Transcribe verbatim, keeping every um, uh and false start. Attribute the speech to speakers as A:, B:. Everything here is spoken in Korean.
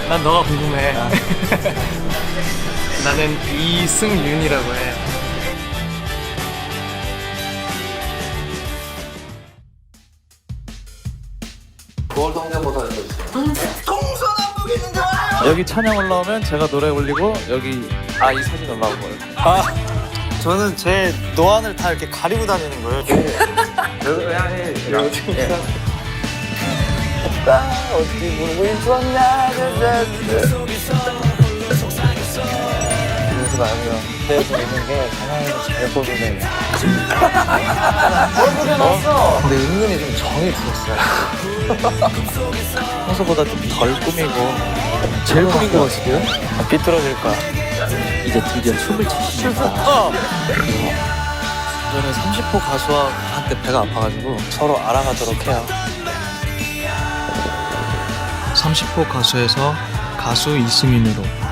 A: 난 너가 궁금해. 나는 이승윤이라고 해.
B: 여기 찬양 올라오면 제가 노래 올리고 여기 아 이 사진 올라온 거예요.
C: 아 저는 제 노안을 다 이렇게 가리고 다니는 거예요.
B: 어디 물고 있었냐 그래서 나면 그래서 있는 게 찬양이가 잘 보이네. 어? 근데 은근히 좀 정이 들었어요. 평소보다 좀 덜 꾸미고 제일 꾸민 거 같은데요? 아, 삐뚤어질 거야. 이제 드디어 춤을 추시니까 저는 삼십 호 가수와 한때 배가 아파가지고 서로 알아가도록 해요.
A: 삼십 호 가수에서 가수 이승윤으로